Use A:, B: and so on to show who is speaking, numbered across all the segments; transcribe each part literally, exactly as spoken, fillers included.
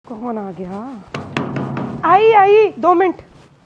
A: कौन आ गया? आई आई दो मिनट।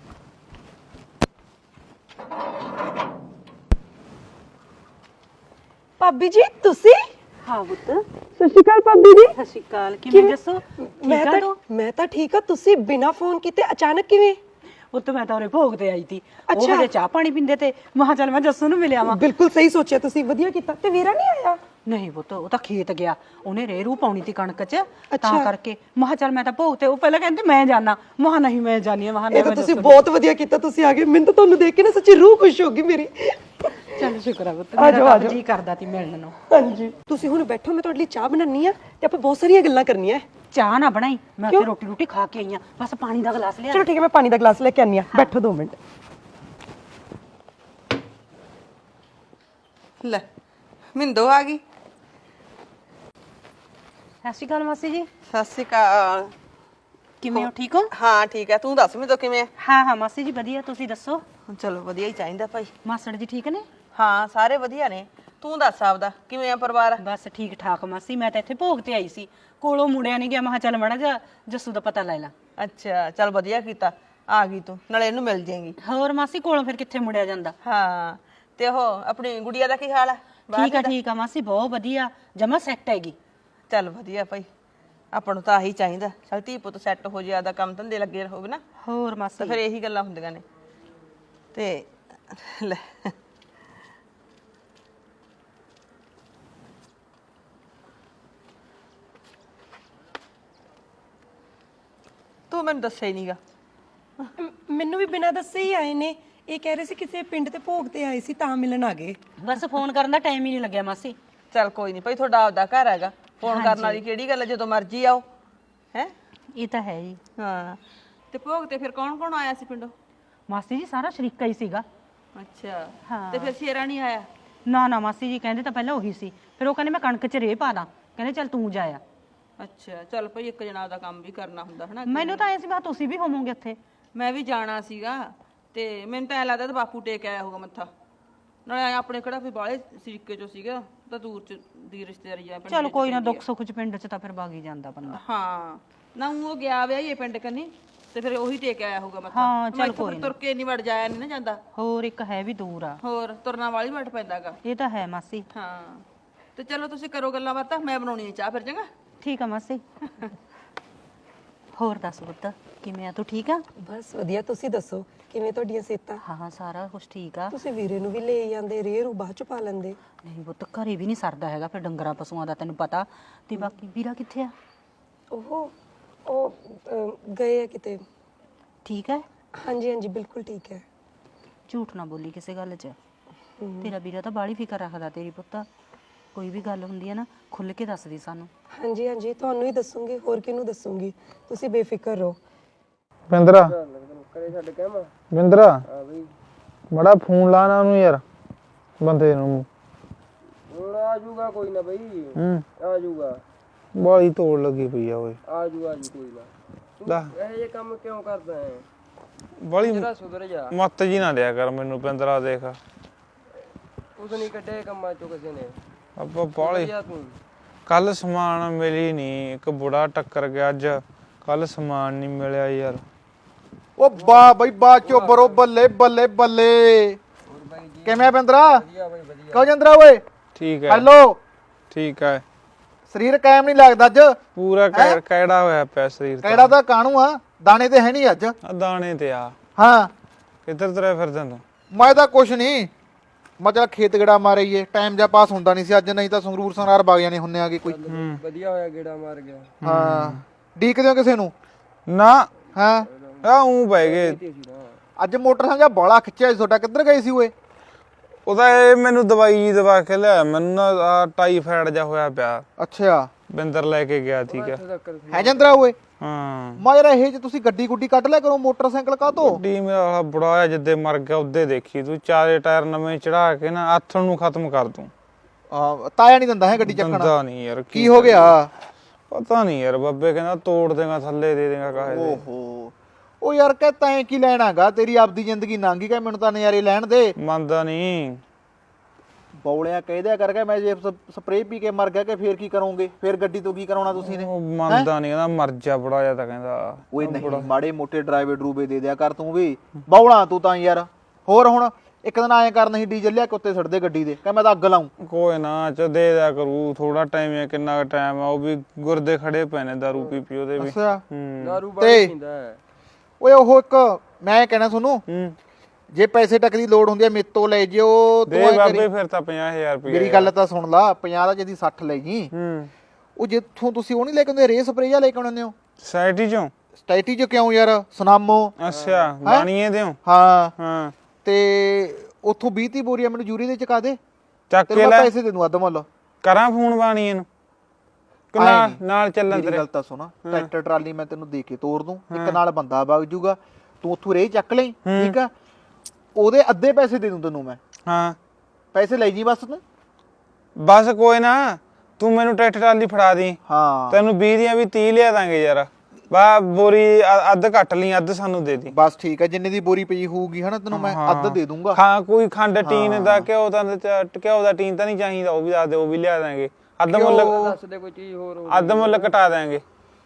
A: भाभी जी तुसी?
B: हाँ पुੱਤ
A: सत श्री अकाल भाभी जी।
B: ਸਤਿ ਸ਼੍ਰੀ ਅਕਾਲ ਕਿਵੇਂ ਦੱਸੋ
A: मैं तो मैं तो ठीक है। तुसी बिना फोन कीते अचानक किवें?
B: ਪੁੱਤ ਮੈਂ ਤਾਂ ਉਰੇ ਭੋਗ ਤੇ ਆਈ ਸੀ ਉਹ
A: ਅੱਛਾ।
B: ਹਜੇ ਚਾਹ ਪਾਣੀ ਪੀਂਦੇ ਤੇ ਮਹਾ ਚੱਲ ਮੈਂ ਜੱਸੂ ਨੂੰ ਮਿਲਿਆ ਵਾਂ
A: बिल्कुल सही सोचा तुसी, वधिया कीता। ते वीरा नहीं आया?
B: ਨਹੀਂ ਪੁੱਤ ਉਹ ਤਾਂ ਖੇਤ ਗਿਆ ਉਹਨੇ ਰੇਰੂ ਪਾਉਣੀ ਤੀ ਕਣਕ 'ਚ ਤਾਂ ਕਰਕੇ ਮਹਾ ਚੱਲ ਮੈਂ ਤਾਂ ਭੋਗ ਤੇ ਉਹ ਪਹਿਲਾਂ ਕਹਿੰਦੇ ਮੈਂ ਜਾਣਾ ਮਹਾ ਨਹੀਂ ਮੈਂ ਜਾਣੀ ਮਹਾ
A: ਇਹ ਤਾਂ ਤੁਸੀਂ ਬਹੁਤ ਵਧੀਆ ਕੀਤਾ, ਤੁਸੀਂ ਆ ਗਏ। ਮੈਨੂੰ ਤਾਂ ਤੁਹਾਨੂੰ ਦੇਖ ਕੇ ਨਾ ਸੱਚੀ ਰੂਹ ਖੁਸ਼ ਹੋ ਗਈ ਮੇਰੀ।
B: ਚੱਲ ਸ਼ੁਕਰ ਆ ਪੁੱਤ
A: ਆ ਜਾਓ,
B: ਮੇਰਾ
A: ਆ
B: ਤਾਂ
A: ਜਾਓ।
B: ਜੀ ਕਰਦਾ ਤੀ ਮਿਲਣ ਨੂੰ
A: ਹਾਂਜੀ ਤੁਸੀਂ ਹੁਣ ਬੈਠੋ, ਮੈਂ ਤੁਹਾਡੇ ਲਈ ਚਾਹ ਬਣਾਉਣੀ ਆ ਤੇ ਆਪਾਂ ਬਹੁਤ ਸਾਰੀਆਂ ਗੱਲਾਂ ਕਰਨੀਆਂ।
B: ਚਾਹ ਨਾ ਬਣਾਈ ਮੈਂ ਉੱਥੇ ਰੋਟੀ ਰੋਟੀ ਖਾ ਕੇ ਆਈ ਆ ਬਸ ਪਾਣੀ ਦਾ ਗਲਾਸ ਲਿਆ
A: ਚਲੋ ਠੀਕ ਹੈ, ਮੈਂ ਪਾਣੀ ਦਾ ਗਲਾਸ ਲੈ ਕੇ ਆਨੀ ਆ। ਬੈਠੋ ਦੋ ਮਿੰਟ।
C: ਲੈ ਮਿੰਦੋ ਆ ਗਈ।
B: ਸਤਿ ਸ਼੍ਰੀ ਅਕਾਲ ਮਾਸੀ ਜੀ
C: ਸਤਿ ਸ਼੍ਰੀ ਅਕਾਲ।
B: ਕਿਵੇਂ ਹੋ ਠੀਕ ਹੋ
C: ਹਾਂ ਠੀਕ ਹੈ, ਤੂੰ ਦੱਸ ਮਿੰਦੋ ਕਿਵੇਂ ਆ?
B: ਹਾਂ ਹਾਂ ਮਾਸੀ ਜੀ ਵਧੀਆ ਤੁਸੀਂ ਦੱਸੋ
C: ਚਲੋ ਵਧੀਆ ਹੀ ਚਾਹੀਦਾ ਭਾਈ।
B: ਮਾਸੜ ਜੀ ਠੀਕ ਨੇ
C: ਹਾਂ ਸਾਰੇ ਵਧੀਆ ਨੇ, ਤੂੰ ਦੱਸ ਆਪਦਾ ਕਿਵੇਂ ਆ ਪਰਿਵਾਰ?
B: ਬਸ ਠੀਕ ਠਾਕ ਮਾਸੀ ਮੈਂ ਤਾਂ ਇੱਥੇ ਭੋਗ ਤੇ ਆਈ ਸੀ ਕੋਲੋਂ ਮੁੜਿਆ ਨਹੀਂ ਗਿਆ ਮੈਂ ਕਿਹਾ ਚੱਲ ਮੜਾ ਜਾ ਜੱਸੂ ਦਾ ਪਤਾ ਲੈ ਲਾ
C: ਅੱਛਾ ਚੱਲ ਵਧੀਆ ਕੀਤਾ ਆ ਗਈ ਤੂੰ, ਨਾਲੇ ਇਹਨੂੰ ਮਿਲ ਜਾਏਗੀ।
B: ਹੋਰ ਮਾਸੀ ਕੋਲੋਂ ਫਿਰ ਕਿੱਥੇ ਮੁੜਿਆ ਜਾਂਦਾ
C: ਹਾਂ ਤੇ ਉਹ ਆਪਣੀ ਗੁੜੀਆ ਦਾ ਕੀ ਹਾਲ ਹੈ?
B: ਠੀਕ ਆ ਠੀਕ ਆ ਮਾਸੀ ਬਹੁਤ ਵਧੀਆ ਜਮਾ ਸੈੱਟ ਹੈਗੀ
C: ਚੱਲ ਵਧੀਆ ਭਾਈ, ਆਪਾਂ ਨੂੰ ਤਾਂ ਆਹੀ ਚਾਹੀਦਾ। ਚੱਲ ਧੀ ਪੁੱਤ ਸੈੱਟ ਹੋ ਜੇ, ਆਦਾ ਕੰਮ ਧੰਦੇ ਲੱਗੇ ਰਹੋਗੇ ਨਾ
B: ਹੋਰ
C: ਤਾਂ
B: ਮਾਸੀ
C: ਫਿਰ ਇਹੀ ਗੱਲਾਂ ਹੁੰਦੀਆਂ ਨੇ। ਤੇ ਲੈ ਤੂੰ ਮੈਨੂੰ ਦੱਸਿਆ ਹੀ ਨਹੀਂਗਾ।
A: ਮੈਨੂੰ ਵੀ ਬਿਨਾਂ ਦੱਸੇ ਹੀ ਆਏ ਨੇ। ਇਹ ਕਹਿ ਰਹੇ ਸੀ ਕਿਸੇ ਪਿੰਡ ਤੇ ਭੋਗ ਤੇ ਆਏ ਸੀ ਤਾਂ ਮਿਲਣ ਆ ਗਏ।
B: ਬਸ ਫੋਨ ਕਰਨ ਦਾ ਟਾਈਮ ਹੀ ਨਹੀਂ ਲੱਗਿਆ ਮਾਸੀ
C: ਚੱਲ ਕੋਈ ਨਹੀਂ ਭਾਈ, ਤੁਹਾਡਾ ਆਪਦਾ ਘਰ ਹੈਗਾ, ਫੋਨ ਕਰਨ ਵਾਲੀ ਕਿਹੜੀ ਗੱਲ ਹੈ, ਜਦੋਂ ਮਰਜ਼ੀ ਆਓ ਹੈ।
B: ਇਹ ਤਾਂ ਹੈ ਜੀ
C: ਹਾਂ ਤੇ ਭੋਗ ਤੇ ਫਿਰ ਕੌਣ ਕੌਣ ਆਇਆ ਸੀ ਪਿੰਡੋਂ?
B: ਮਾਸੀ ਜੀ ਸਾਰਾ ਸ਼ਰੀਕਾ ਹੀ ਸੀਗਾ
C: ਅੱਛਾ
B: ਹਾਂ।
C: ਤੇ ਫਿਰ ਸ਼ੇਰਾ ਨਹੀਂ ਆਇਆ?
B: ਨਾ ਨਾ ਮਾਸੀ ਜੀ ਕਹਿੰਦੇ ਤਾਂ ਪਹਿਲਾਂ ਉਹੀ ਸੀ ਫਿਰ ਉਹ ਕਹਿੰਦੇ ਮੈਂ ਕਣਕ 'ਚ ਰੇਹ ਪਾ ਦਾਂ ਕਹਿੰਦੇ ਚੱਲ ਤੂੰ ਜਾਇਆ
C: ਅੱਛਾ ਚੱਲ ਭਾਈ, ਇੱਕ ਜਣਾ ਦਾ ਕੰਮ ਵੀ ਕਰਨਾ ਹੁੰਦਾ ਹਨਾ।
B: ਮੈਨੂੰ ਤਾਂ ਐ ਸੀ ਮੈਂ ਤੁਸੀਂ ਵੀ ਹੋਵੋਗੇ ਉੱਥੇ
C: ਮੈਂ ਵੀ ਜਾਣਾ ਸੀਗਾ ਤੇ ਮੈਨੂੰ ਤਾਂ ਐ ਲੱਗਦਾ ਤੇ ਬਾਪੂ ਟੇਕ ਆਇਆ ਹੋਊਗਾ ਮੱਥਾ, ਨਾਲੇ ਆਪਣੇ ਕਿਹੜਾ ਫਿਰ ਬਾਹਲੇ ਸ਼ਰੀਕੇ ਚੋਂ ਸੀਗਾ, ਤਾਂ ਦੂਰ ਚ ਦੀ ਰਿਸ਼ਤੇਦਾਰੀ ਆ।
B: ਚਲ ਕੋਈ ਨਾ ਦੁੱਖ ਸੁੱਖ 'ਚ ਪਿੰਡ 'ਚ ਤਾਂ ਫਿਰ ਬਾਗੀ ਜਾਂਦਾ ਬੰਦਾ
C: ਹਾਂ ਨਾ ਉਹ ਗਿਆ ਵਿਆ ਇਹ ਪਿੰਡ ਕੰਨੀ ਤੇ ਫਿਰ ਉਹੀ ਟੇਕ ਆਇਆ ਹੋਊਗਾ ਮੱਥਾ।
B: ਹਾਂ ਚੱਲ ਕੋਈ
C: ਤੁਰ ਕੇ ਨਹੀਂ ਵੜ ਜਾਇਆ ਨਹੀਂ ਨਾ ਜਾਂਦਾ,
B: ਹੋਰ ਇੱਕ ਹੈ ਵੀ ਦੂਰ ਆ
C: ਹੋਰ ਤੁਰਨਾ ਵਾਲੀ ਵਟ ਪੈਂਦਾਗਾ।
B: ਇਹ ਤਾਂ ਹੈ ਮਾਸੀ
C: ਹਾਂ ਤੇ ਚਲੋ ਤੁਸੀਂ ਕਰੋ ਗੱਲਾਂ ਬਾਤਾਂ, ਮੈਂ ਬਣਾਉਣੀ ਹੈ ਚਾਹ ਫਿਰ। ਚੰਗਾ
B: ਠੀਕ ਆ ਮਾਸੀ ਹੋਰ ਦੱਸ ਪੁੱਤ ਕਿਵੇਂ ਆ ਤੂੰ ਠੀਕ ਆ
A: ਬਸ ਵਧੀਆ, ਤੁਸੀਂ ਦੱਸੋ ਕਿਵੇਂ ਤੁਹਾਡੀਆਂ ਸਿਹਤਾਂ?
B: ਹਾਂ ਹਾਂ ਸਾਰਾ ਕੁਝ ਠੀਕ ਆ
A: ਤੁਸੀਂ ਵੀਰੇ ਨੂੰ ਵੀ ਲੈ ਜਾਂਦੇ, ਰੇਹ ਰੂ ਬਾਅਦ ਚ ਪਾ ਲੈਂਦੇ।
B: ਨਹੀਂ ਪੁੱਤ ਘਰੇ ਵੀ ਨਹੀਂ ਸਰਦਾ ਹੈਗਾ ਫਿਰ ਡੰਗਰਾਂ ਪਸ਼ੂਆਂ ਦਾ ਤੈਨੂੰ ਪਤਾ ਤੇ ਬਾਕੀ ਵੀਰਾ ਕਿੱਥੇ ਆ
A: ਉਹ ਉਹ ਅਮ, ਗਏ ਆ ਕਿਤੇ।
B: ਠੀਕ ਹੈ
A: ਹਾਂਜੀ ਹਾਂਜੀ ਬਿਲਕੁਲ ਠੀਕ ਹੈ।
B: ਝੂਠ ਨਾ ਬੋਲੀ ਕਿਸੇ ਗੱਲ 'ਚ ਤੇਰਾ ਵੀਰਾ ਤਾਂ ਬਾਹਲੀ ਫਿਕਰ ਰੱਖਦਾ ਤੇਰੀ ਪੁੱਤ ਕੋਈ ਵੀ ਗੱਲ ਹੁੰਦੀ ਹੈ ਨਾ ਖੁੱਲ ਕੇ ਦੱਸਦੀ ਸਾਨੂੰ
A: ਹਾਂਜੀ ਹਾਂਜੀ ਤੁਹਾਨੂੰ ਹੀ ਦੱਸੂਗੀ, ਹੋਰ ਕਿਹਨੂੰ ਦੱਸੂਗੀ। ਤੁਸੀਂ ਬੇਫਿਕਰ ਰਹੋ।
D: ਬਿੰਦਰਾ ਬਿੰਦਰਾ ਬੜਾ ਫੋਨ ਲਾਣਾ ਉਹਨੂੰ ਯਾਰ ਬੰਦੇ ਨੂੰ।
E: ਹੁਣ ਆ ਜਾਊਗਾ ਕੋਈ ਨਾ ਬਈ,
D: ਹੂੰ
E: ਆ ਜਾਊਗਾ।
D: ਬਾਲੀ ਤੋੜ ਲੱਗੀ ਪਈ ਆ ਓਏ।
E: ਆ ਜਾਊਗਾ ਜੀ ਕੋਈ ਨਾ।
D: ਲੈ
E: ਤੂੰ ਇਹ ਜੇ ਕੰਮ ਕਿਉਂ ਕਰਦਾ ਹੈ?
D: ਬਾਲੀ
E: ਜਰਾ ਸੁਧਰ ਜਾ।
D: ਮੱਤ ਜੀ ਨਾ ਲਿਆ ਕਰ ਮੈਨੂੰ ਬਿੰਦਰਾ, ਦੇਖ
E: ਉਸ ਨਹੀਂ ਕੱਢੇ ਕੰਮਾਂ ਚੋਂ ਕਿਸੇ ਨੇ।
D: ਆਪਾਂ ਬਾਲੀ
E: ਜਾ ਤੂੰ
D: ਕੱਲ ਸਮਾਨ ਮਿਲੀ ਨਹੀਂ, ਇੱਕ ਬੁੜਾ ਟੱਕਰ ਗਿਆ ਅੱਜ, ਕੱਲ ਸਮਾਨ ਨਹੀਂ ਮਿਲਿਆ ਯਾਰ।
F: ਉਹ ਬਾ ਬਈ ਬਾ ਚੋਬਰੋ, ਬੱਲੇ ਬੱਲੇ ਬੱਲੇ। ਕਿਵੇਂ ਆ ਬਿੰਦਰਾ?
E: ਵਧੀਆ ਬਈ ਵਧੀਆ।
F: ਕਹੋ ਜੰਦਰਾ ਓਏ।
D: ਠੀਕ ਹੈ
F: ਹੈਲੋ।
D: ਠੀਕ ਹੈ
F: ਸਰੀਰ ਕਾਇਮ ਨਹੀਂ ਲੱਗਦਾ ਅੱਜ।
D: ਪੂਰਾ ਕੈ- ਕਿਹੜਾ ਹੋਇਆ ਪਿਆ ਸਰੀਰ ਤਾਂ।
F: ਕਿਹੜਾ ਤਾਂ ਕਾਣੂ ਆ, ਦਾਣੇ ਤੇ ਹੈ ਨਹੀਂ ਅੱਜ।
D: ਆ ਦਾਣੇ ਤੇ ਆ।
F: ਹਾਂ
D: ਕਿੱਧਰ ਤੁਰਿਆ ਫਿਰਦਾ ਤੂੰ?
F: ਮੈਂ ਤਾਂ ਕੁਛ ਨਹੀਂ, ਮੈਂ ਚੱਲ ਖੇਤ ਗੇੜਾ ਮਾਰੀਏ, ਟਾਈਮ ਜਾਂ ਪਾਸ ਹੁੰਦਾ ਨਹੀਂ ਸੀ ਅੱਜ, ਨਹੀਂ ਤਾਂ ਸੰਗਰੂਰ ਸੰਗਰਾਰ ਬਾਗ ਜਾਣੇ ਹੁੰਨੇ ਆਗੇ ਕੋਈ।
E: ਵਧੀਆ ਹੋਇਆ ਗੇੜਾ ਮਾਰ ਗਿਆ।
F: ਹਾਂ ਡੀਕਦੇ ਹੋ ਕਿਸੇ ਨੂੰ?
D: ਨਾ
F: ਹਾਂ
D: ਆ ਉਂ ਪੈ ਗਏ।
F: ਅੱਜ ਮੋਟਰਸਾਈਕਲ ਜਾਂ ਬਾਲਾ ਖਿੱਚਿਆ ਸੀ ਤੁਹਾਡਾ, ਕਿੱਧਰ ਗਏ ਸੀ ਓਏ?
D: ਉਹਦਾ ਇਹ ਮੈਨੂੰ ਦਵਾਈ ਜੀ ਦਵਾ ਕੇ ਲਿਆ, ਮੈਨੂੰ ਨਾ ਆ ਟਾਈਫਾਇਡ ਜਾ ਹੋਇਆ ਪਿਆ।
F: ਅੱਛਾ
D: ਬਿੰਦਰ ਲੈ ਕੇ ਗਿਆ ਠੀਕ ਹੈ।
F: ਹੈ ਜੰਦਰਾ ਓਏ?
D: ਹਾਂ
F: ਮੈਂ ਯਾਰ ਇਹ ਜੇ ਤੁਸੀਂ ਗੱਡੀ ਗੁੱਡੀ ਕੱਢ ਲਿਆ ਕਰੋ, ਮੋਟਰਸਾਈਕਲ ਕਾਹਤੋਂ?
D: ਡੀ ਮੇਰਾ ਬੁੜਾ ਜਿੱਦੇ ਮਰ ਗਿਆ ਉਹਦੇ ਦੇਖੀ ਤੂੰ, ਚਾਰੇ ਟਾਇਰ ਨਵੇਂ ਚੜਾ ਕੇ ਨਾ ਆਥਣ ਨੂੰ ਖਤਮ ਕਰ ਦੂੰ।
F: ਆ ਤਾਇਆ ਨਹੀਂ ਦਿੰਦਾ ਹੈ ਗੱਡੀ ਚੱਕਣਾ?
D: ਦੰਦਾ ਨਹੀਂ ਯਾਰ।
F: ਕੀ ਹੋ ਗਿਆ?
D: ਪਤਾ ਨਹੀਂ ਯਾਰ, ਬੱਬੇ ਕਹਿੰਦਾ ਤੋੜ ਦੇਗਾ, ਥੱਲੇ ਦੇ ਦੇਗਾ ਕਾਹੇ ਦੇ।
F: ਓਹੋ ਉਹ ਯਾਰ ਕਹਿ ਤੈਂ ਕੀ ਲੈਣਾਗਾ, ਤੇਰੀ ਆਪਦੀ ਜ਼ਿੰਦਗੀ ਲੰਘ ਗਈ, ਕਹਿ ਮੈਨੂੰ ਤਾਂ ਨਜ਼ਾਰੇ ਲੈਣ ਦੇ।
D: ਮੰਨਦਾ ਨਹੀਂ।
F: ਬੌਲਿਆ ਕਹਿਦਿਆ ਕਰਕੇ ਮੈਂ ਜੇ ਸਪਰੇਅ ਪੀ ਕੇ ਮਰ ਗਿਆ ਕਿ ਫੇਰ ਕੀ ਕਰੋਗੇ? ਫੇਰ ਗੱਡੀ ਤੋਂ ਕੀ ਕਰਾਉਣਾ ਤੁਸੀਂ ਨੇ?
D: ਉਹ ਮੰਨਦਾ ਨਹੀਂ, ਕਹਿੰਦਾ ਮਰ ਜਾ ਬੜਾ ਜਿਹਾ ਤਾਂ ਕਹਿੰਦਾ।
F: ਓਏ ਨਹੀਂ, ਮਾੜੇ ਮੋਟੇ ਡਰਾਈਵੇ ਡਰੂਵੇ ਦੇ ਦਿਆ ਕਰ ਤੂੰ ਵੀ, ਬੌਲਾ ਤੂੰ ਤਾਂ ਯਾਰ। ਹੋਰ ਹੁਣ ਇੱਕ ਦਿਨ ਆਏ ਕਰ, ਨਹੀਂ ਡੀਜ਼ਲ ਲਿਆ ਕੇ ਉੱਤੇ ਛੱਡਦੇ ਗੱਡੀ ਦੇ, ਕਹ ਮੈਂ ਤਾਂ ਅੱਗ ਲਾਉਂ।
D: ਕੋਈ ਨਾ ਚ ਦੇ ਦਿਆ ਕਰੂ, ਥੋੜਾ ਟਾਈਮ ਹੈ, ਕਿੰਨਾ ਟਾਈਮ ਆ, ਉਹ ਵੀ ਗੁਰਦੇ ਖੜੇ ਪਏ ਨੇ ਦਾਰੂ ਪੀ ਪੀ ਉਹਦੇ ਵੀ।
F: ਅੱਛਾ
D: ਹੂੰ
E: ਦਾਰੂ ਬਾਈ ਪੀਂਦਾ ਹੈ।
F: ਓਏ ਉਹ ਇੱਕ ਮੈਂ ਕਹਿਣਾ ਤੁਹਾਨੂੰ,
D: ਹੂੰ
F: ਜੇ ਪੈਸੇ ਟੱਕ ਦੀ ਲੋੜ ਹੁੰਦੀ ਹੈ ਮੇਰੇ ਤੋਂ ਲੈ ਜਿਓ ਤੂੰ
D: ਦੇ
F: ਐਂ
D: ਬਾਬੇ,
F: ਕਰੀ।
D: ਫਿਰ ਤਾਂ ਪੰਜਾਹ ਹਜ਼ਾਰ ਰੁਪਏ।
F: ਮੇਰੀ ਗੱਲ ਤਾਂ ਸੁਣ ਲਾ, ਪੰਜਾਹ ਦਾ ਜਿਹਦੀ ਸੱਠ ਲੈ ਜੀ।
D: ਹੂੰ
F: ਉਹ ਜਿੱਥੋਂ ਤੁਸੀਂ ਉਹ ਨਹੀਂ ਲੈ ਕੇ ਆਉਂਦੇ ਰੇ ਸਪਰੇਅ ਲੈ ਕੇ ਆਉਂਦੇ ਹੋ
D: ਸੋਸਾਇਟੀ ਚੋਂ?
F: ਸਟੈਟੀ ਚ ਕਿਉਂ ਯਾਰ, ਸੁਨਾਮੋ।
D: ਅੱਛਾ ਬਾਣੀਏ ਦਿਓ?
F: ਹਾਂ
D: ਹਾਂ
F: ਤੇ ਉੱਥੋਂ ਵੀਹ ਤੀਹ ਬੋਰੀਆਂ ਮੈਨੂੰ ਜੂਰੀ ਦੇ ਚਕਾ ਦੇ,
D: ਚੱਕ
F: ਤੇ
D: ਕੇ
F: ਮੈਂ
D: ਲੈ
F: ਪੈਸੇ ਦੇ ਦੂੰ ਅੱਧ ਮੁੱਲ।
D: ਕਰਾਂ ਫੋਨ ਬਾਣੀਏ ਨੂੰ ਕਿ
F: ਆਏਂ
D: ਨਾਲ
F: ਨੀ।
D: ਨਾਲ ਚੱਲਣ
F: ਮੇਰੀ
D: ਤੇਰੇ?
F: ਗੱਲ ਤਾਂ ਸੁਣ, ਟਰੈਕਟਰ ਟਰਾਲੀ ਮੈਂ ਤੈਨੂੰ ਦੇ ਕੇ ਤੋਰ ਦੂੰ, ਇੱਕ ਨਾਲ ਬੰਦਾ ਵਗ ਜੂਗਾ, ਤੂੰ ਉੱਥੋਂ ਰੇ ਚੱਕ ਲਈ, ਠੀਕ ਆ? ਉਹਦੇ ਅੱਧੇ ਪੈਸੇ ਦੇ ਦੂੰ ਤੈਨੂੰ ਮੈਂ।
D: ਹਾਂ
F: ਪੈਸੇ ਲੈ ਜੀ ਬਸ ਤੂੰ।
D: ਬਸ ਕੋਈ ਨਾ, ਤੂੰ ਮੈਨੂੰ ਟਰੈਕਟਰ ਟਰਾਲੀ ਫੜਾ ਦੀ,
F: ਹਾਂ
D: ਤੈਨੂੰ ਵੀਹ ਦੀਆਂ ਵੀ ਤੀਹ ਲਿਆ ਦਾਂਗੇ ਯਾਰ। ਬਾ ਬੋਰੀ ਅ- ਅੱਧ ਕੱਟ ਲਈ, ਅੱਧ ਸਾਨੂੰ ਦੇ ਦੀ।
F: ਬਸ ਠੀਕ ਹੈ, ਜਿੰਨੇ ਦੀ ਬੋਰੀ ਪਈ ਹੋਊਗੀ ਹਨਾ ਤੈਨੂੰ ਮੈਂ ਅੱਧ ਦੇ ਦੂੰਗਾ।
D: ਹਾਂ ਕੋਈ ਖੰਡ ਟੀਨ ਦਾ ਘਿਓ ਦਾ ਚ- ਘਿਓ ਦਾ ਟੀਨ ਤਾਂ ਨਹੀਂ ਚਾਹੀਦਾ, ਉਹ ਵੀ ਦੱਸ ਦੇ, ਉਹ ਵੀ ਲਿਆ ਦਾਂਗੇ। ਅੱਧ ਮੁੱਲ
E: ਦੱਸ ਦੇ ਕੋਈ ਚੀਜ਼ ਹੋਰ ਹੋ।
D: ਅੱਧ ਮੁੱਲ ਕਟਾ ਦਾਂਗੇ।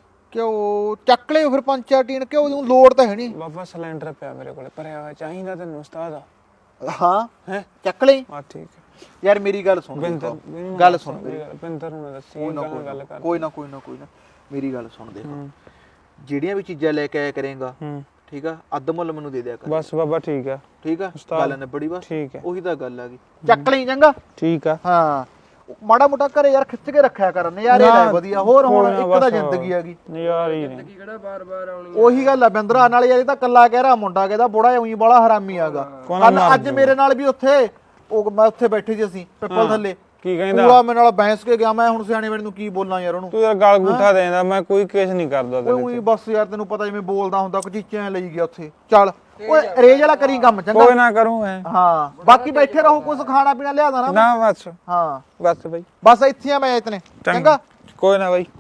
F: ਕਿਉਂ ਚੱਕ ਲਿਓ ਫਿਰ ਪੰਜ ਚਾਰ ਟੀਨ, ਕਿਉਂ ਦੀ ਲੋੜ ਤਾਂ ਹੈ ਨਹੀਂ।
D: ਬਾਬਾ ਸਿਲੰਡਰ ਪਿਆ ਮੇਰੇ ਕੋਲੇ ਭਰਿਆ ਹੋਇਆ, ਚਾਹੀਦਾ ਤੈਨੂੰ ਉਸਤਾਦ?
F: ਹਾਂ
D: ਹੈ
F: ਚੱਕ ਲਈ
D: ਆ ਠੀਕ ਹੈ।
F: ਯਾਰ ਮੇਰੀ ਗੱਲ ਸੁਣ,
D: ਬਿੰਦਰ
F: ਦੇਖੋ, ਗੱਲ ਸੁਣ ਮੇਰੀ।
D: ਬਿੰਦਰ ਨੂੰ ਨਾ ਦੱਸੀ,
F: ਕੋਈ ਨਾ
D: ਗੱਲ ਗੱਲ ਕਰ।
F: ਕੋਈ ਨਾ ਕੋਈ ਨਾ ਕੋਈ ਨਾ ਮੇਰੀ ਗੱਲ ਸੁਣ, ਦੇਖੋ ਜਿਹੜੀਆਂ ਵੀ ਚੀਜ਼ਾਂ ਲੈ ਕੇ ਆਇਆ ਕਰੇਗਾ,
D: ਹੂੰ
F: ਠੀਕ ਆ, ਅੱਧ ਮੁੱਲ ਮੈਨੂੰ ਦੇ ਦਿਆ ਕਰ।
D: ਬਸ ਬਾਬਾ ਠੀਕ ਆ,
F: ਠੀਕ ਆ, ਗੱਲ ਨੇ ਬੜੀ ਬਸ
D: ਠੀਕ ਹੈ
F: ਉਹੀ ਤਾਂ ਗੱਲ ਆ ਗਈ। ਚੱਕ ਲਈ ਚੰਗਾ।
D: ਠੀਕ ਆ।
F: ਹਾਂ ਮਾੜਾ ਮੋਟਾ ਘਰੇ ਯਾਰ ਖਿੱਚ ਕੇ ਰੱਖਿਆ ਕਰ, ਨਜ਼ਾਰੇ ਲੈ ਵਧੀਆ। ਹੋਰ ਹੁਣ ਇੱਕ ਤਾਂ ਜ਼ਿੰਦਗੀ ਹੈਗੀ,
D: ਨਜ਼ਾਰੇ ਹੀ ਨੇ।
E: ਕੀ ਕਿਹੜਾ ਬਾਰ-ਬਾਰ ਆਉਣੀ
F: ਉਹੀ ਗੱਲ ਆ ਬਿੰਦਰਾ ਨਾਲ ਯਾਰ। ਇਹ ਤਾਂ ਕੱਲਾ ਕਹਿ ਰਿਹਾ ਮੁੰਡਾ, ਕਹਿੰਦਾ ਬੁੜਾ ਉਹੀ ਬੜਾ ਹਰਾਮੀ ਆਗਾ। ਅੱਜ ਮੇਰੇ ਨਾਲ ਵੀ ਉੱਥੇ ਉਹ ਮੈਂ ਉੱਥੇ ਬੈਠੇ ਸੀ ਅਸੀਂ ਪਿੱਪਲ ਥੱਲੇ,
D: ਕੀ ਕਹਿੰਦਾ?
F: ਪੂਰਾ ਮੇਰੇ ਨਾਲ ਬੈਂਸ ਕੇ ਗਿਆ। ਮੈਂ ਹੁਣ ਸਿਆਣੇ ਵੇਲੇ ਨੂੰ ਕੀ ਬੋਲਾਂ ਯਾਰ ਉਹਨੂੰ।
D: ਤੂੰ ਯਾਰ ਗਲ ਗੁੱਠਾ ਦੇਂਦਾ, ਮੈਂ ਕੋਈ ਕੇਸ ਨਹੀਂ ਕਰਦਾ ਤੇਰੇ
F: ਉਹੀ ਬਸ ਯਾਰ ਤੈਨੂੰ ਪਤਾ ਜਿਵੇਂ ਬੋਲਦਾ ਹੁੰਦਾ, ਕਚੀਚਿਆਂ ਲਈ ਗਿਆ ਉੱਥੇ। ਚੱਲ ਓਏ ਰੇਜ ਵਾਲਾ ਕਰੀ ਕੰਮ ਚੰਗਾ।
D: ਕੋਈ ਨਾ ਕਰੂੰ ਐ।
F: ਹਾਂ ਬਾਕੀ ਬੈਠੇ ਰਹੋ, ਕੁਝ ਖਾਣਾ ਪੀਣਾ ਲਿਆਦਾ ਨਾ।
D: ਨਾ ਬਸ
F: ਹਾਂ
D: ਬਸ ਬਈ,
F: ਬਸ ਇੱਥੇ ਆ ਮੈਂ ਇਤਨੇ ਚੰਗਾ।
D: ਕੋਈ ਨਾ ਬਾਈ।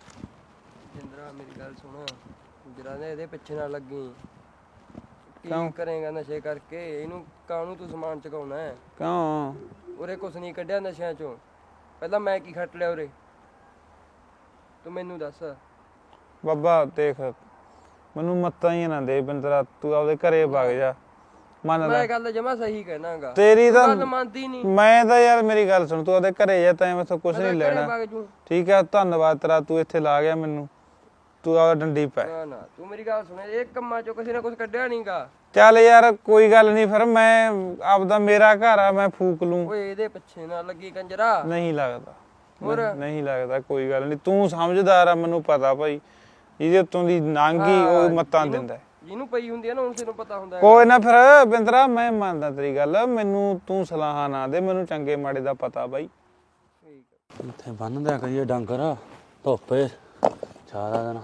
E: ਜਿੰਦਰਾ ਮੇਰੀ ਗੱਲ ਸੁਣ, ਜਰਾ ਨੇ ਇਹਦੇ ਪਿੱਛੇ ਨਾ ਲੱਗੀ।
D: ਕਿਉਂ?
E: ਕੀ ਕਰੇਗਾ ਨਸ਼ੇ ਕਰਕੇ? ਇਹਨੂੰ ਕਾਹਨੂੰ ਤੂੰ ਸਮਾਨ ਚਕਾਉਣਾ ਹੈ?
D: ਕਿਉਂ?
E: ਉਰੇ ਕੁਛ ਨਹੀਂ ਕੱਢਿਆ ਨਸ਼ਿਆਂ ਚੋਂ। ਪਹਿਲਾਂ ਮੈਂ ਕੀ ਖੱਟ ਲਿਆ ਉਰੇ, ਤੂੰ ਮੈਨੂੰ ਦੱਸ।
D: ਬਾਬਾ ਦੇਖ, ਮੈਨੂੰ ਮੱਤਾਂ ਹੀ ਨਾ ਦੇ ਬਿੰਦਰਾ, ਤੂੰ ਆਪਦੇ ਘਰੇ ਵਗ ਜਾ। ਮੰਨ ਲੈ
E: ਮੈਂ ਗੱਲ ਜਮਾ ਸਹੀ ਕਹਿਣਾਗਾ,
D: ਤੇਰੀ ਤਾਂ
E: ਗੱਲ ਮੰਨਦੀ ਨਹੀਂ।
D: ਮੈਂ ਤਾਂ ਯਾਰ ਮੇਰੀ ਗੱਲ ਸੁਣ, ਤੂੰ ਆਪਦੇ ਘਰੇ ਜਾ, ਤੈਂ ਮੈਥੋਂ ਕੁਝ ਨਹੀਂ ਲੈਣਾ।
E: ਵਗ ਜੂ।
D: ਠੀਕ ਆ, ਧੰਨਵਾਦ ਤੇਰਾ, ਤੂੰ ਇੱਥੇ ਲਾ ਗਿਆ ਮੈਨੂੰ। ਤੂੰ ਆਪਦਾ ਡੰਡੀ ਪੈ।
E: ਨਾ ਨਾ ਤੂੰ ਮੇਰੀ ਗੱਲ ਸੁਣ, ਇਹ ਕੰਮਾਂ ਚੋਂ ਕਿਸੇ ਨੇ ਕੁਝ ਕੱਢਿਆ ਨਹੀਂਗਾ।
D: ਚੱਲ ਯਾਰ ਕੋਈ ਗੱਲ ਨਹੀਂ, ਫਿਰ ਮੈਂ ਆਪਦਾ ਮੇਰਾ ਘਰ ਆ, ਮੈਂ ਫੂਕ ਲੂੰ।
E: ਓਏ ਇਹਦੇ ਪਿੱਛੇ ਨਾ ਲੱਗੀ ਕੰਜਰਾ।
D: ਨਹੀਂ ਲੱਗਦਾ,
E: ਹੋਰ?
D: ਨਹੀਂ ਲੱਗਦਾ, ਕੋਈ ਗੱਲ ਨਹੀਂ। ਤੂੰ ਸਮਝਦਾਰ ਆ, ਮੈਨੂੰ ਪਤਾ ਭਾਈ। ਇਹਦੇ ਉੱਤੋਂ ਦੀ ਨਾਂਗੀ ਉਹ ਮੱਤਾਂ ਦਿੰਦਾ।
E: ਜਿਹਨੂੰ ਪਈ ਹੁੰਦੀ ਹੈ ਨਾ ਉਸ ਨੂੰ ਪਤਾ ਹੁੰਦਾ ਹੈ।
D: ਕੋਈ ਨਾ ਫਿਰ ਬਿੰਦਰਾ, ਮੈਂ ਮੰਨਦਾ ਤੇਰੀ ਗੱਲ, ਮੈਨੂੰ ਤੂੰ ਸਲਾਹਾਂ ਨਾ ਦੇ, ਮੈਨੂੰ ਚੰਗੇ ਮਾੜੇ ਦਾ ਪਤਾ ਬਾਈ।
G: ਇੱਥੇ ਬੰਨਦਿਆ ਕਰੀਏ ਡੰਗਰ ਧੁੱਪੇ ਸਾਰਾ ਦਿਨ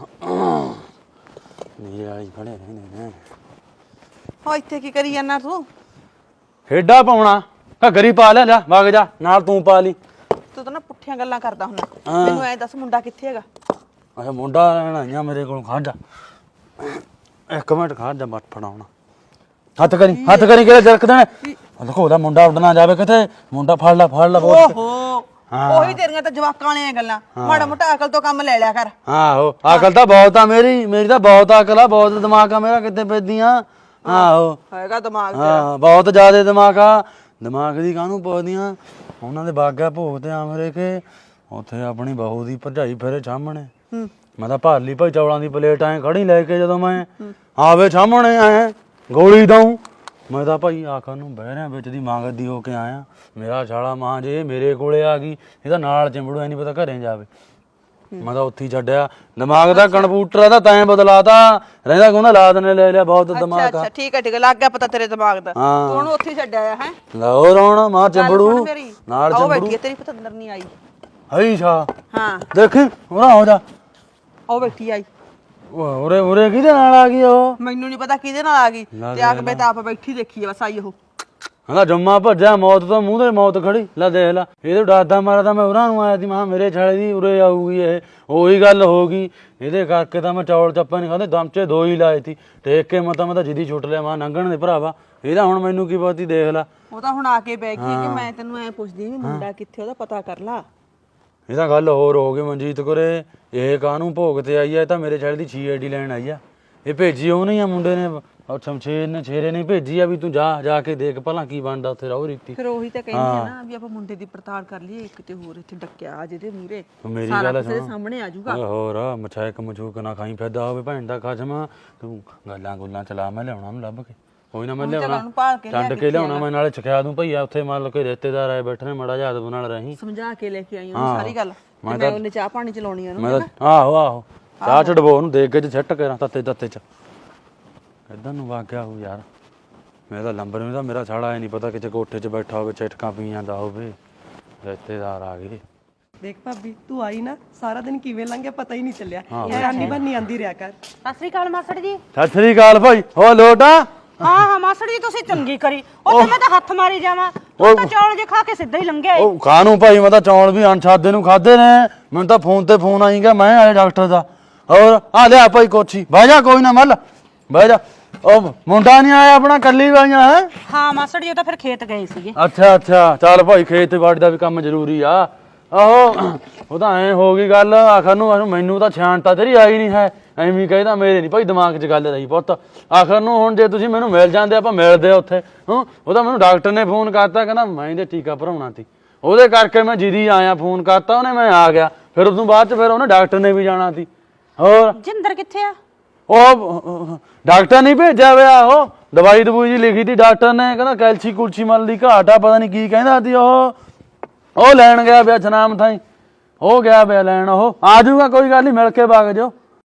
G: ਨੀਰੇ ਵਾਲੀ ਖੜੇ ਰਹਿੰਦੇ ਨੇ।
B: ਹੋ ਇੱਥੇ ਕੀ ਕਰੀ ਜਾਂਦਾ ਤੂੰ?
G: ਹੇਡਾ ਪਾਉਣਾ ਘੱਗਰੀ ਪਾ ਲੈ, ਲੈ ਵਗ ਜਾ ਨਾਲ, ਤੂੰ ਪਾ ਲਈ।
B: ਤੂੰ ਤਾਂ ਨਾ ਪੁੱਠੀਆਂ ਗੱਲਾਂ ਕਰਦਾ ਹੁੰਦਾ। ਮੈਨੂੰ ਐ ਦੱਸ ਮੁੰਡਾ ਕਿੱਥੇ ਹੈਗਾ?
G: ਅੱਛਾ ਮੁੰਡਾ ਰਹਿਣਾ ਆਈਆਂ ਮੇਰੇ ਕੋਲ, ਖੜ ਜਾ ਇੱਕ ਮਿੰਟ, ਖੜ ਜਾ ਮੱਠ ਫੜਾਉਣਾ। ਹੱਥ ਕਰੀ, ਹੱਥ ਕਰੀ, ਕਿਹੜਾ ਜਰਕ ਦੇਣਾ। ਲਖੋ ਉਹਦਾ ਮੁੰਡਾ ਉੱਡਣਾ ਜਾਵੇ ਕਿਤੇ, ਮੁੰਡਾ ਫੜ ਲੈ, ਫੜ ਲੈ।
B: ਓਹੋ ਉਹੀ ਤੇਰੀਆਂ ਤਾਂ ਜਵਾਕਾਂ ਵਾਲੀਆਂ ਗੱਲਾਂ। ਮਾੜਾ ਮੋਟਾ ਅਕਲ ਤੋਂ ਕੰਮ ਲੈ ਲਿਆ ਕਰ।
G: ਆਹੋ ਅਕਲ ਤਾਂ ਬਹੁਤ ਆ ਮੇਰੀ, ਮੇਰੀ ਤਾਂ ਬਹੁਤ ਅਕਲ ਆ, ਬਹੁਤ ਦਿਮਾਗ ਆ ਮੇਰਾ, ਕਿੱਥੇ ਪੈਦੀਆਂ। ਆਹੋ
B: ਹੈਗਾ ਦਿਮਾਗ
G: ਹਾਂ ਬਹੁਤ ਜ਼ਿਆਦਾ ਦਿਮਾਗ ਆ। ਦਿਮਾਗ ਦੀ ਕਾਹਨੂੰ ਪੁੱਛਦੀਆਂ? ਉਹਨਾਂ ਦੇ ਬਾਗਾ ਭੋਗ ਤੇ ਆਮਰੇ ਕੇ ਉੱਥੇ ਆਪਣੀ ਬਹੂ ਦੀ ਭਰਜਾਈ ਫਿਰੇ ਸਾਹਮਣੇ। ਮੈਂ ਤਾਂ ਭਰ ਲਈ ਭਾਈ ਚੌਲਾਂ ਦੀ ਪਲੇਟ ਐ ਖੜੀ ਲੈ ਕੇ, ਜਦੋਂ ਮੈਂ ਆਵੇ ਸਾਹਮਣੇ ਐ ਗੋਲੀ ਦਊਂ। ਮੈਂ ਤਾਂ ਭਾਈ ਆਖਰ ਨੂੰ ਬਹਿ ਰਿਆਂ ਵਿੱਚ ਦੀ ਮੰਗਦੀ ਹੋ ਕੇ ਆਇਆ। ਮੇਰਾ ਛਾਲਾ ਮਾਂ ਜੇ ਮੇਰੇ ਕੋਲੇ ਆ ਗਈ, ਇਹਦਾ ਨਾਲ ਚਿੰਬੜੂ ਐ ਨਹੀਂ ਪਤਾ ਘਰੇ ਜਾਵੇ। ਮੈਂ ਤਾਂ ਉੱਥੇ ਹੀ ਛੱਡਿਆ। ਦਿਮਾਗ ਦਾ ਕੰਪਿਊਟਰ ਦਾ ਤੈਂ ਬਦਲਾਤਾ, ਰਹਿੰਦਾ ਕੋਨਾ ਲਾਦ ਨੇ ਲੈ ਲਿਆ ਬਹੁਤ ਦਿਮਾਗ ਆ।
B: ਅੱਛਾ ਠੀਕ ਹੈ ਠੀਕ ਹੈ, ਲੱਗ ਗਿਆ ਪਤਾ ਤੇਰੇ ਦਿਮਾਗ ਦਾ। ਤੂੰ ਉਹਨੂੰ ਉੱਥੇ ਛੱਡਿਆ ਆ ਹੈ।
G: ਲਾਹੌਰ ਆਉਣਾ ਮਾਂ ਚਿੰਬੜੂ ਨਾਲ,
B: ਉਹ
G: ਚਿੰਬੜੂ
B: ਬੈਠੀ ਹੈ ਤੇਰੀ ਪਤੰਦਰ ਨਹੀਂ ਆਈ।
G: ਹਈ ਸ਼ਾ
B: ਹਾਂ
G: ਦੇਖੀ ਉਹਨਾਂ ਹੋ ਜਾ,
B: ਉਹ ਬੈਠੀ ਆਈ।
G: ਉਰੇ ਉਰੇ ਕਿਹਦੇ ਨਾਲ ਆ ਗਈ ਉਹ?
B: ਮੈਨੂੰ ਨਹੀਂ ਪਤਾ ਕਿਹਦੇ ਨਾਲ ਆ ਗਈ, ਤੇ ਆ ਕੇ ਮੈਂ ਤਾਂ ਆਪ ਬੈਠੀ ਦੇਖੀ ਆ ਬਸ ਆਈ ਉਹ।
G: ਕਹਿੰਦਾ ਜੰਮਾ ਭੱਜਿਆ, ਮੌਤ ਤੋਂ ਮੂੰਹ ਤੇ ਮੌਤ ਖੜੀ। ਲੈ ਦੇਖ ਲੈ, ਇਹਦੇ ਡਰਦਾ ਮਾਰਾ ਤਾਂ ਮੈਂ ਉਰਾਂ ਨੂੰ ਆਇਆ ਸੀ, ਮੈਂ ਮੇਰੇ ਛਾਲੇ ਦੀ ਉਰੇ ਆਊਗੀ ਇਹ। ਉਹੀ ਗੱਲ ਹੋ ਗਈ, ਇਹਦੇ ਕਰਕੇ ਤਾਂ ਮੈਂ ਚੌਲ ਚੱਪਾ ਨਹੀਂ ਖਾਦੇ ਦਮਚੇ ਦੋ ਹੀ ਲਾਏ ਸੀ ਟੇਕ ਕੇ ਮੈਂ ਤਾਂ ਮੈਂ ਤਾਂ ਜਿੱਦੀ ਛੁੱਟ ਲਿਆ ਮਾਂ ਲੰਘਣ ਦੇ ਭਰਾਵਾ ਇਹਦਾ ਹੁਣ ਮੈਨੂੰ ਕੀ ਪਤੀ ਦੇਖ ਲੈ
C: ਉਹ ਤਾਂ ਹੁਣ ਆ ਕੇ ਬਹਿ ਗਈ ਕਿ ਮੈਂ ਤੈਨੂੰ ਐ ਪੁੱਛਦੀ ਵੀ ਮੁੰਡਾ ਕਿੱਥੇ ਉਹਦਾ ਪਤਾ ਕਰ ਲਾ।
G: ਇਹ ਤਾਂ ਗੱਲ ਹੋਰ ਹੋ ਗਈ ਮਨਜੀਤ ਕੋਰੇ ਇਹ ਕਾਹਨੂੰ ਭੋਗ ਤੇ ਆਈ ਆ ਇਹ ਤਾਂ ਮੇਰੇ ਛੇੜ ਦੀ ਛੀ ਆਈ ਡੀ ਲੈਣ ਆਈ ਆ ਇਹ ਭੇਜੀ ਉਹ ਨਹੀਂ ਆ ਮੁੰਡੇ ਨੇ ਉਹ ਸ਼ਮਸ਼ੇਰ ਨੇ ਛੇਰੇ ਨੇ ਭੇਜੀ ਆ ਵੀ ਤੂੰ ਜਾ ਜਾ ਕੇ ਦੇਖ ਭਲਾ ਕੀ ਬਣਦਾ ਉੱਥੇ ਰਹੋ ਰੀਤੀ।
C: ਫਿਰ ਉਹੀ ਤਾਂ ਕਹਿੰਦੀ ਆ ਨਾ ਵੀ ਆਪਾਂ ਮੁੰਡੇ ਦੀ ਪੜਤਾਲ ਕਰ ਲਈਏ ਕਿਤੇ ਹੋਰ ਇੱਥੇ ਡੱਕਿਆ ਆ ਜਿਹਦੇ ਮੂਹਰੇ
G: ਮੇਰੀ
C: ਸਾਰਾ
G: ਗੱਲ
C: ਕੁਝ ਇਹਦੇ
G: ਸੁਣ
C: ਸਾਹਮਣੇ ਆ ਜਾਊਗਾ।
G: ਓਏ ਹੋਰ ਮਛਾਇਕ ਮਛੂਕ ਨਾ ਖਾਈ ਫਿਰਦਾ ਹੋਵੇ ਭੈਣ ਦਾ ਖਸਮ ਤੂੰ ਗੱਲਾਂ ਗੁੱਲਾਂ ਚਲਾ ਮੈਂ ਲਿਆਉਣਾ ਨੂੰ ਲੱਭ ਕੇ ਕੋਈ ਨਾ ਮੈਂ ਲਿਆਉਣਾ ਟੰਡ ਕੇ ਲਿਆਉਣਾ ਮੈਂ ਨਾਲੇ ਸਿਖਾ ਦੂੰ ਭਈਆ ਉੱਥੇ ਮੰਨ ਲਓ ਕਿ ਰਿਸ਼ਤੇਦਾਰ ਆਏ ਬੈਠੇ ਨੇ ਮੜਾ ਜਾ ਅਦਬ ਨਾਲ ਰਹੀਂ
C: ਸਮਝਾ ਕੇ ਲੈ ਕੇ ਆਈ ਉਹਨੂੰ ਸਾਰੀ ਗੱਲ ਮੈਂ ਤਾਂ ਉਹਨੇ ਚਾਹ ਪਾਣੀ ਚਲਾਉਣੀ ਆ
G: ਮੈਂ ਤਾਂ ਆਹੋ ਆਹੋ ਚਾਹ ਛਡਵੋ ਉਹਨੂੰ ਦੇਖ ਕੇ ਛੱਟ ਕੇ ਤੱਤੇ ਤੱਤੇ ਚ ਇਦਾਂ ਨੂੰ ਵਾਗਿਆ ਹੋ ਯਾਰ ਮੈਂ ਤਾਂ ਲੰਬਰ ਨੂੰ ਤਾਂ ਮੇਰਾ ਸਾਲਾ ਇਹ ਨਹੀਂ ਪਤਾ ਕਿਤੇ ਕੋਠੇ 'ਚ ਬੈਠਾ ਹੋਵੇ ਚਟਕਾਂ ਪੀ ਜਾਂਦਾ ਹੋਵੇ ਰਿਸ਼ਤੇਦਾਰ ਆ ਗਏ।
A: ਦੇਖ ਭਾਬੀ ਤੂੰ ਆਈ ਨਾ ਸਾਰਾ ਦਿਨ ਕਿਵੇਂ ਲੰਘਿਆ ਪਤਾ ਹੀ ਨਹੀਂ ਚੱਲਿਆ ਇਹ ਆਨੀ ਬੰਨੀ ਆਂਦੀ ਰਿਹਾ ਕਰ।
B: ਸਤਿ ਸ੍ਰੀ ਅਕਾਲ ਮਾਸੜ ਜੀ।
G: ਸਤਿ ਸ੍ਰੀ ਅਕਾਲ ਭਾਈ ਹੋ ਲੋਟਾ
B: ਹਾਂ ਹਾਂ ਮਾਸੜ ਜੀ ਤੁਸੀਂ ਚੰਗੀ ਕਰੀ ਉਹ ਮੈਂ ਤਾਂ ਹੱਥ ਮਾਰੀ ਜਾਵਾਂ ਤੂੰ ਤਾਂ ਚੌਲ ਜੇ ਖਾ ਕੇ ਸਿੱਧਾ ਹੀ ਲੰਘਿਆ ਏ।
G: ਉਹ ਖਾਣੂ ਭਾਈ ਮੈਂ ਤਾਂ ਚੌਲ ਵੀ ਅਣਛਾਦੇ ਨੂੰ ਖਾਦੇ ਨੇ ਮੈਨੂੰ ਤਾਂ ਫੋਨ ਤੇ ਫੋਨ ਆਈਗਾ ਮੈਂ ਆਇਆ ਡਾਕਟਰ ਦਾ ਹੋਰ ਆ ਲਿਆ ਭਾਈ ਕੋਚੀ ਬਹਿ ਜਾ ਕੋਈ ਨਾ ਮੱਲ ਬਹਿ ਜਾ ਉਹ ਮੁੰਡਾ ਨਹੀਂ ਆਇਆ ਆਪਣਾ ਕੱਲੀ ਵਾਈਆਂ ਹੈ।
B: ਹਾਂ ਮਾਸੜ ਜੀ ਉਹ ਤਾਂ ਫਿਰ ਖੇਤ ਗਏ ਸੀਗੇ।
G: ਅੱਛਾ ਅੱਛਾ ਚੱਲ ਭਾਈ ਖੇਤ ਬਾੜੀ ਦਾ ਵੀ ਕੰਮ ਜ਼ਰੂਰੀ ਆ ਆਹੋ ਉਹ ਤਾਂ ਐ ਹੋ ਗਈ ਗੱਲ ਆਖਰ ਨੂੰ ਮੈਨੂੰ ਤਾਂ ਛਾਣਤਾ ਤੇਰੀ ਆਈ ਨਹੀਂ ਹੈ ਐਵੇਂ ਕਹਿੰਦਾ ਮੇਰੇ ਨਹੀਂ ਭਾਈ ਦਿਮਾਗ 'ਚ ਗੱਲ ਰਹੀ ਪੁੱਤ ਆਖਰ ਨੂੰ ਹੁਣ ਜੇ ਤੁਸੀਂ ਮੈਨੂੰ ਮਿਲ ਜਾਂਦੇ ਆਪਾਂ ਮਿਲਦੇ ਉੱਥੇ ਹਾਂ ਉਹ ਤਾਂ ਮੈਨੂੰ ਡਾਕਟਰ ਨੇ ਫੋਨ ਕਰਤਾ ਕਹਿੰਦਾ ਮੈਂ ਇਹਦੇ ਟੀਕਾ ਭਰਾਉਣਾ ਸੀ ਉਹਦੇ ਕਰਕੇ ਮੈਂ ਜਿੱਦੀ ਆਇਆ ਫੋਨ ਕਰਤਾ ਉਹਨੇ ਮੈਂ ਆ ਗਿਆ ਫਿਰ ਉਸ ਤੋਂ ਬਾਅਦ 'ਚ ਫਿਰ ਉਹਨੇ ਡਾਕਟਰ ਨੇ ਵੀ ਜਾਣਾ ਸੀ ਹੋਰ
B: ਜਿੰਦਰ ਕਿੱਥੇ ਆ?
G: ਉਹ ਡਾਕਟਰ ਨਹੀਂ ਭੇਜਿਆ ਹੋਇਆ ਉਹ ਦਵਾਈ ਦਵਾਈ ਜੀ ਲਿਖੀ ਤੀ ਡਾਕਟਰ ਨੇ ਕਹਿੰਦਾ ਕੈਲਸ਼ੀ ਕੁਲਸ਼ੀ ਮਲ ਦੀ ਘਾਟ ਆ ਪਤਾ ਨਹੀਂ ਕੀ ਕਹਿੰਦਾ ਸੀ ਉਹ ਉਹ ਲੈਣ ਗਿਆ ਪਿਆ ਜਨਾਮ ਥਾਈ ਹੋ ਗਿਆ ਪਿਆ ਲੈਣ ਉਹ ਆ ਜਾਊਗਾ ਕੋਈ ਗੱਲ ਨਹੀਂ ਮਿਲ ਕੇ ਵਗ ਜਾਓ